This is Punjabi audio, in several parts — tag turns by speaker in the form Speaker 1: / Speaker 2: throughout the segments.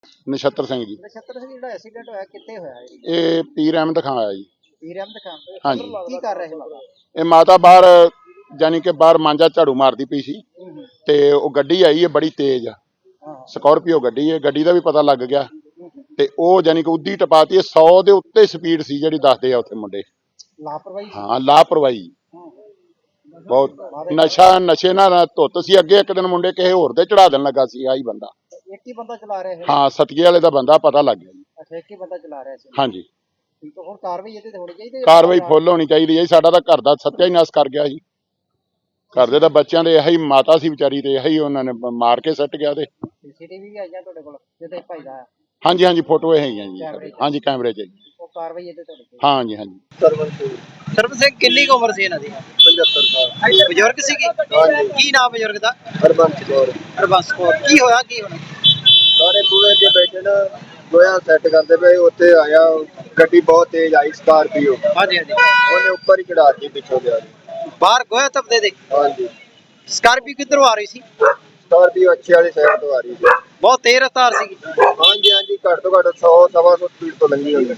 Speaker 1: ਨਛੱਤਰ ਸਿੰਘ ਜੀ।
Speaker 2: ਨਛੱਤਰ ਸਿੰਘ ਜਿਹੜਾ ਐਕਸੀਡੈਂਟ ਹੋਇਆ ਕਿੱਥੇ ਹੋਇਆ ਇਹ?
Speaker 1: ਇਹ ਪੀਰ ਅਹਿਮਦ ਖਾਂ ਆਇਆ ਜੀ।
Speaker 2: ਪੀਰ ਅਹਿਮਦ ਖਾਨ।
Speaker 1: ਹਾਂਜੀ।
Speaker 2: ਕੀ ਕਰ ਰਹੇ ਸੀ ਮਾਤਾ?
Speaker 1: ਇਹ ਮਾਤਾ ਬਾਹਰ ਜਾਨੀ ਕਿ ਬਾਹਰ ਮਾਂਜਾ ਝਾੜੂ ਮਾਰਦੀ ਪਈ ਸੀ ਤੇ ਉਹ ਗੱਡੀ ਆਈ ਹੈ ਬੜੀ ਤੇਜ਼, ਸਕਾਰਪੀਓ ਗੱਡੀ ਹੈ। ਗੱਡੀ ਦਾ ਵੀ ਪਤਾ ਲੱਗ ਗਿਆ ਤੇ ਉਹ ਜਾਨੀ ਕਿ ਉੱਦੀ ਟਪਾਤੀ। 100 ਦੇ ਉੱਤੇ ਸਪੀਡ ਸੀ ਜਿਹੜੀ ਦੱਸਦੇ ਆ ਉੱਥੇ ਮੁੰਡੇ।
Speaker 2: ਲਾਪਰਵਾਹੀ?
Speaker 1: ਹਾਂ, ਲਾਪਰਵਾਹੀ ਬਹੁਤ। ਨਸ਼ੇ ਨਾਲ ਧੁੱਤ ਸੀ। ਅੱਗੇ ਇੱਕ ਦਿਨ ਮੁੰਡੇ ਕਿਸੇ ਹੋਰ ਦੇ ਚੜਾ ਦੇਣ ਲੱਗਾ ਸੀ ਆਹੀ ਬੰਦਾ।
Speaker 2: ਇੱਕ ਹੀ ਬੰਦਾ ਚਲਾ ਰਿਹਾ ਸੀ?
Speaker 1: ਹਾਂ, ਸਤੀਏ ਵਾਲੇ ਦਾ ਬੰਦਾ ਪਤਾ ਲੱਗ ਗਿਆ ਜੀ।
Speaker 2: ਅੱਛਾ, ਇੱਕ ਹੀ ਬੰਦਾ ਚਲਾ ਰਿਹਾ ਸੀ।
Speaker 1: ਹਾਂਜੀ।
Speaker 2: ਠੀਕ ਹੈ, ਹੁਣ ਕਾਰਵਾਈ ਇਹਦੇ ਤੇ ਹੋਣੀ ਚਾਹੀਦੀ ਹੈ?
Speaker 1: ਕਾਰਵਾਈ ਫੁੱਲ ਹੋਣੀ ਚਾਹੀਦੀ ਹੈ। ਸਾਡਾ ਤਾਂ ਘਰ ਦਾ ਸੱਤਿਆਨਾਸ਼ ਕਰ ਗਿਆ ਜੀ। ਘਰ ਦੇ ਤਾਂ ਬੱਚਿਆਂ ਦੇ ਇਹੀ ਮਾਤਾ ਸੀ ਵਿਚਾਰੀ ਤੇ ਇਹੀ ਉਹਨਾਂ ਨੇ ਮਾਰ ਕੇ ਸੱਟ ਗਿਆ। ਤੇ
Speaker 2: ਸੀਸੀਟੀਵੀ ਵੀ ਆਈਆਂ ਤੁਹਾਡੇ ਕੋਲ ਜਿਹਦੇ ਭਾਈ ਦਾ?
Speaker 1: ਹਾਂਜੀ ਹਾਂਜੀ, ਫੋਟੋ ਇਹ ਹੈਗੀਆਂ ਜੀ। ਹਾਂਜੀ, ਕੈਮਰੇ 'ਚ।
Speaker 2: ਉਹ ਕਾਰਵਾਈ ਇਹਦੇ ਤੇ?
Speaker 1: ਹਾਂਜੀ ਹਾਂਜੀ।
Speaker 2: ਸਰਵਨ ਸਿੰਘ ਕਿੰਨੀ ਕੁ ਉਮਰ ਸੀ ਇਹਨਾਂ ਦੀ?
Speaker 3: 75 ਸਾਲ।
Speaker 2: ਬਜ਼ੁਰਗ ਸੀਗੇ?
Speaker 3: ਹਾਂਜੀ।
Speaker 2: ਕੀ ਨਾਮ ਬਜ਼ੁਰਗ ਦਾ?
Speaker 3: ਹਰਬੰਸ ਕੌਰ।
Speaker 2: ਹਰਬੰਸ ਕੌਰ। ਕੀ ਹੋਇਆ ਕੀ ਹੁਣ?
Speaker 3: ਸਾਰੇ ਪੂਰੇ ਦੇ ਬੈਠੇ ਨਾ ਗੋਇਆ ਸੈੱਟ ਕਰਦੇ ਪਏ। ਉੱਥੇ ਆਇਆ ਗੱਡੀ ਬਹੁਤ ਤੇਜ਼ ਆਈ, ਸਕਾਰਪੀਓ।
Speaker 2: ਹਾਂਜੀ ਹਾਂਜੀ।
Speaker 3: ਉਹਨੇ ਉੱਪਰ ਹੀ ਚੜਾਤੀ ਪਿੱਛੋਂ ਦੇ।
Speaker 2: ਬਾਹਰ ਗੋਇਆ ਤਪਦੇ ਦੇ?
Speaker 3: ਹਾਂਜੀ।
Speaker 2: ਸਕਾਰਪੀਓ ਕਿੱਧਰੋਂ ਆ ਰਹੀ ਸੀ?
Speaker 3: ਸਕਾਰਪੀਓ ਅੱਛੇ ਵਾਲੀ ਸਾਈਡ ਤੋਂ ਆ ਰਹੀ ਸੀ।
Speaker 2: ਬਹੁਤ ਤੇਜ਼ ਰਫ਼ਤਾਰ ਸੀਗੀ?
Speaker 3: ਹਾਂਜੀ ਹਾਂਜੀ, ਘੱਟ ਤੋਂ ਘੱਟ 100 ਸਵਾ 100 ਸਪੀਡ ਤੋਂ ਲੰਘੀ ਹੋਈ।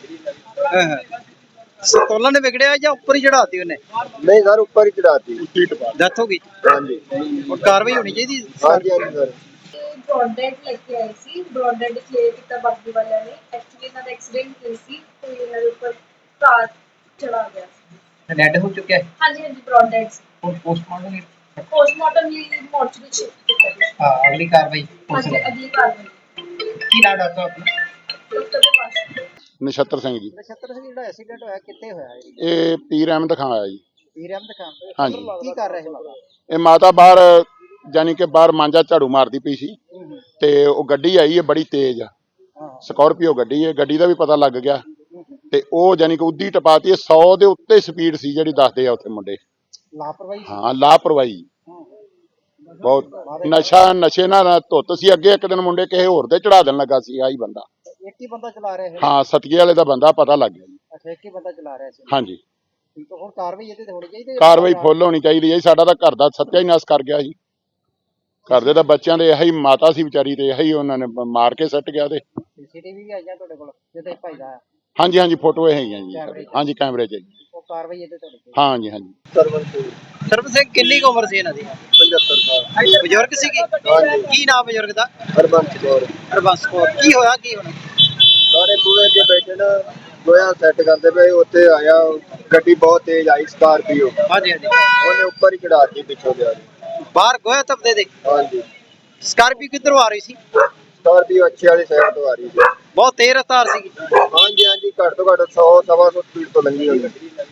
Speaker 2: ਸੰਤੁਲਨ ਵਿਗੜਿਆ ਜਾਂ ਉੱਪਰ ਹੀ ਚੜਾਤੀ ਉਹਨੇ?
Speaker 3: ਨਹੀਂ ਸਰ, ਉੱਪਰ ਹੀ ਚੜਾਤੀ।
Speaker 2: ਡੈਥ ਹੋ ਗਈ?
Speaker 3: ਹਾਂਜੀ।
Speaker 2: ਹੁਣ ਕਾਰਵਾਈ ਹੋਣੀ ਚਾਹੀਦੀ?
Speaker 3: ਹਾਂਜੀ ਹਾਂਜੀ ਸਰ।
Speaker 4: ब्रॉडबैंड लेके आई सी ब्रॉडबैंड क्लियर किया बाकी वाले ने एक्चुअली ना एक्सीडेंट हुई सी तो ये ऊपर कार चढ़ा गया।
Speaker 2: डेड हो चुका है?
Speaker 4: हाँ जी ब्रॉडबैंड
Speaker 2: और
Speaker 4: पोस्टमार्टम लिए मॉर्चरी शिफ्ट किया गया।
Speaker 2: हाँ, अगली कार्रवाई
Speaker 4: हाँ जी अगली कार्रवाई
Speaker 2: की नाम डॉक्टर अपना?
Speaker 4: डॉक्टर के पास।
Speaker 1: ਨਛੱਤਰ ਸਿੰਘ ਜੀ।
Speaker 2: ਨਛੱਤਰ ਸਿੰਘ ਜਿਹੜਾ ਐਕਸੀਡੈਂਟ ਹੋਇਆ ਕਿੱਥੇ ਹੋਇਆ ਇਹ?
Speaker 1: ਇਹ ਪੀਰ ਅਹਿਮਦ ਖਾਂ ਆਇਆ ਜੀ।
Speaker 2: ਪੀਰ ਅਹਿਮਦ ਖਾਨ।
Speaker 1: ਹਾਂਜੀ।
Speaker 2: ਕੀ ਕਰ ਰਹੇ ਸੀ ਮਾਤਾ?
Speaker 1: ਇਹ ਮਾਤਾ ਬਾਹਰ ਜਾਨੀ ਕਿ ਬਾਹਰ ਮਾਂਜਾ ਝਾੜੂ ਮਾਰਦੀ ਪਈ ਸੀ ਤੇ ਉਹ ਗੱਡੀ ਆਈ ਹੈ ਬੜੀ ਤੇਜ਼, ਸਕਾਰਪੀਓ ਗੱਡੀ ਹੈ। ਗੱਡੀ ਦਾ ਵੀ ਪਤਾ ਲੱਗ ਗਿਆ ਤੇ ਉਹ ਜਾਨੀ ਕਿ ਉੱਦੀ ਟਪਾਤੀ। 100 ਦੇ ਉੱਤੇ ਸਪੀਡ ਸੀ ਜਿਹੜੀ ਦੱਸਦੇ ਆ ਉੱਥੇ ਮੁੰਡੇ।
Speaker 2: ਲਾਪਰਵਾਹੀ?
Speaker 1: ਹਾਂ, ਲਾਪਰਵਾਹੀ ਬਹੁਤ। ਨਸ਼ੇ ਨਾਲ ਧੁੱਤ ਸੀ। ਅੱਗੇ ਇੱਕ ਦਿਨ ਮੁੰਡੇ ਕਿਸੇ ਹੋਰ ਦੇ ਚੜਾ ਦੇਣ ਲੱਗਾ ਸੀ ਆਹੀ ਬੰਦਾ।
Speaker 2: ਇੱਕ ਹੀ ਬੰਦਾ ਚਲਾ ਰਿਹਾ ਸੀ?
Speaker 1: ਹਾਂ, ਸਤੀਏ ਵਾਲੇ ਦਾ ਬੰਦਾ ਪਤਾ ਲੱਗ ਗਿਆ ਜੀ।
Speaker 2: ਅੱਛਾ, ਇੱਕ ਹੀ ਬੰਦਾ ਚਲਾ ਰਿਹਾ ਸੀ।
Speaker 1: ਹਾਂਜੀ।
Speaker 2: ਠੀਕ ਹੈ, ਹੁਣ ਕਾਰਵਾਈ ਇਹਦੇ ਤੇ ਹੋਣੀ ਚਾਹੀਦੀ ਹੈ?
Speaker 1: ਕਾਰਵਾਈ ਫੁੱਲ ਹੋਣੀ ਚਾਹੀਦੀ ਹੈ। ਸਾਡਾ ਤਾਂ ਘਰ ਦਾ ਸੱਤਿਆਨਾਸ਼ ਕਰ ਗਿਆ ਜੀ। ਘਰ ਦੇ ਤਾਂ ਬੱਚਿਆਂ ਦੇ ਇਹੀ ਮਾਤਾ ਸੀ ਵਿਚਾਰੀ ਤੇ ਇਹੀ ਉਹਨਾਂ ਨੇ ਮਾਰ ਕੇ ਸੱਟ ਗਿਆ। ਤੇ
Speaker 2: ਸੀਸੀਟੀਵੀ ਵੀ ਆਈਆਂ ਤੁਹਾਡੇ ਕੋਲ ਜਿਹਦੇ ਭਾਈ ਦਾ?
Speaker 1: ਹਾਂਜੀ ਹਾਂਜੀ, ਫੋਟੋ ਇਹ ਹੈਗੀਆਂ ਜੀ। ਹਾਂਜੀ, ਕੈਮਰੇ 'ਚ।
Speaker 2: ਉਹ ਕਾਰਵਾਈ ਇਹਦੇ ਤੇ?
Speaker 1: ਹਾਂਜੀ ਹਾਂਜੀ।
Speaker 3: ਸਰਵਨ ਸਿੰਘ।
Speaker 2: ਸਰਵਨ ਸਿੰਘ ਕਿੰਨੀ ਕੁ ਉਮਰ ਸੀ ਇਹਨਾਂ ਦੀ?
Speaker 3: 75 ਸਾਲ।
Speaker 2: ਬਜ਼ੁਰਗ ਸੀਗੇ?
Speaker 3: ਹਾਂਜੀ।
Speaker 2: ਕੀ ਨਾਮ ਬਜ਼ੁਰਗ ਦਾ?
Speaker 3: ਹਰਬੰਸ ਕੌਰ।
Speaker 2: ਹਰਬੰਸ ਕੌਰ। ਕੀ ਹੋਇਆ ਕੀ ਹੁਣ?
Speaker 3: ਸਾਰੇ ਪੂਰੇ ਦੇ ਬੈਠੇ ਨਾ ਗੋਇਆ ਸੈੱਟ ਕਰਦੇ ਪਏ। ਉੱਥੇ ਆਇਆ ਗੱਡੀ ਬਹੁਤ ਤੇਜ਼ ਆਈ, ਸਕਾਰਪੀਓ।
Speaker 2: ਹਾਂਜੀ ਹਾਂਜੀ।
Speaker 3: ਉਹਨੇ ਉੱਪਰ ਹੀ ਚੜਾਤੀ ਪਿੱਛੋਂ ਦੇ।
Speaker 2: ਬਾਹਰ ਗੋਇਆ ਤਪਦੇ ਦੇ?
Speaker 3: ਹਾਂਜੀ।
Speaker 2: ਸਕਾਰਪੀਓ ਕਿੱਧਰੋਂ ਆ ਰਹੀ ਸੀ?
Speaker 3: ਸਕਾਰਪੀਓ ਅੱਛੇ ਵਾਲੀ ਸਾਈਡ ਤੋਂ ਆ ਰਹੀ ਸੀ।
Speaker 2: ਬਹੁਤ ਤੇਜ਼ ਰਫ਼ਤਾਰ ਸੀਗੀ?
Speaker 3: ਹਾਂਜੀ ਹਾਂਜੀ, ਘੱਟ ਤੋਂ ਘੱਟ 100 ਸਵਾ 100 ਸਪੀਡ ਤੋਂ ਲੰਘੀ ਹੋਈ।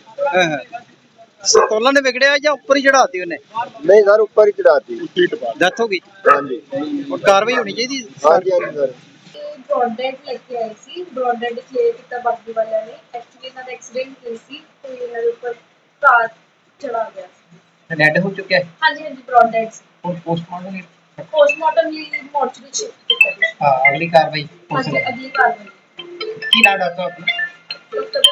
Speaker 2: ਸੰਤੁਲਨ ਵਿਗੜਿਆ ਜਾਂ ਉੱਪਰ ਹੀ ਚੜਾਤੀ ਉਹਨੇ?
Speaker 3: ਨਹੀਂ ਸਰ, ਉੱਪਰ ਹੀ ਚੜਾਤੀ।
Speaker 2: ਡੈਥ ਹੋ ਗਈ?
Speaker 3: ਹਾਂਜੀ।
Speaker 2: ਹੁਣ ਕਾਰਵਾਈ ਹੋਣੀ ਚਾਹੀਦੀ?
Speaker 3: ਹਾਂਜੀ ਹਾਂਜੀ ਸਰ।
Speaker 4: ब्रॉडबैंड लेके आई सी ब्रॉडबैंड क्लियर किया बाकी वाले ने एक्चुअली ना एक्सीडेंट हुई सी तो ये ऊपर कार चढ़ा गया।
Speaker 2: डेड हो चुका है?
Speaker 4: हाँ जी ब्रॉडबैंड
Speaker 2: और
Speaker 4: पोस्टमार्टम लिए मॉर्चरी शिफ्ट किया गया।
Speaker 2: हाँ, अगली कार्रवाई
Speaker 4: हाँ जी अगली कार्रवाई
Speaker 2: की नाम डॉक्टर अपना?
Speaker 4: डॉक्टर